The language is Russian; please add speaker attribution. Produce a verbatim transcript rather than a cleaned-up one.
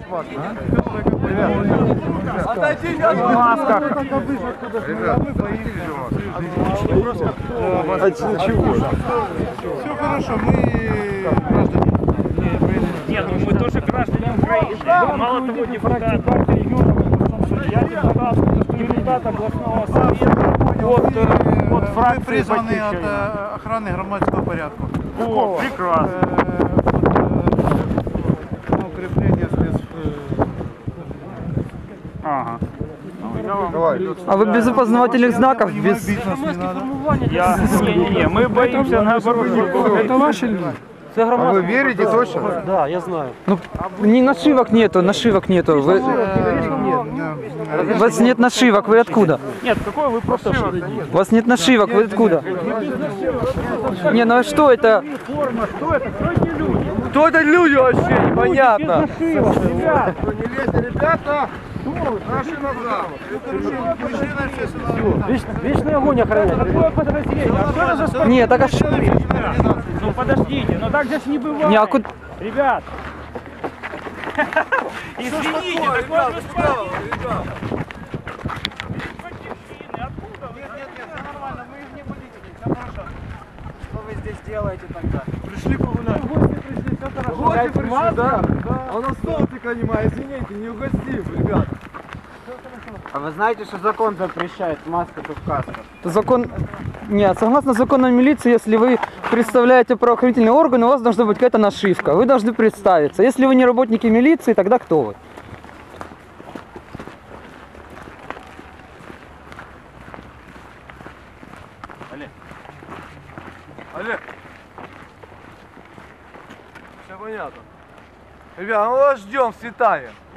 Speaker 1: Отойдите от масках.
Speaker 2: Все хорошо, мы граждане.
Speaker 3: Нет, ну мы тоже граждане Украины. Мало того, депутат партии регионов, я депутат, депутат областного совета от, от
Speaker 2: Мы
Speaker 3: фракции
Speaker 2: призваны от
Speaker 3: «Батьківщина».
Speaker 2: э, охраны громадского порядка.
Speaker 3: О, прекрасно.
Speaker 2: На укрепление спец...
Speaker 3: Ага. Ну, я вам...
Speaker 4: А вы без опознавательных знаков, без...
Speaker 3: Я... Не-не-не, мы боимся наоборот.
Speaker 4: Это ваши люди?
Speaker 1: А вы верите точно?
Speaker 4: Да, я знаю. Ну, не нашивок нету, нашивок нету. Вы... У вас нет нашивок, вы откуда?
Speaker 3: Нет, какой вы просто...
Speaker 4: У вас нет нашивок, вы откуда? Не, ну а что это?
Speaker 3: Форма, что это? Кто эти люди?
Speaker 1: Кто это люди вообще? Непонятно.
Speaker 3: Ребят,
Speaker 1: Не лезьте, ребята! Наши назад!
Speaker 3: вечный огонь охраняет. Какое подразделение? А что это за спортивное?
Speaker 4: Нет, так а что?
Speaker 3: Ну подождите, ну так здесь не бывает.
Speaker 4: Не, а куда...
Speaker 3: Ребят! Извините, так
Speaker 1: ребята,
Speaker 3: можно
Speaker 1: справа,
Speaker 3: спать.
Speaker 1: ребята.
Speaker 3: Откуда вы?
Speaker 2: Нет, нет, нет, все нормально, мы не политики, все хорошо.
Speaker 5: Что вы здесь делаете тогда?
Speaker 1: Пришли погулять.
Speaker 2: Гости пришли, все хорошо.
Speaker 1: Гости пришли, да? А у нас столтика нема, извините, не угостим, ребят.
Speaker 5: А вы знаете, что закон запрещает в масках и в касках?
Speaker 4: Закон... Нет, согласно закону милиции, если вы представляете правоохранительные органы, у вас должна быть какая-то нашивка. Вы должны представиться. Если вы не работники милиции, тогда кто вы?
Speaker 1: Олег. Олег. Все понятно. Ребят, мы вас ждем в Святая.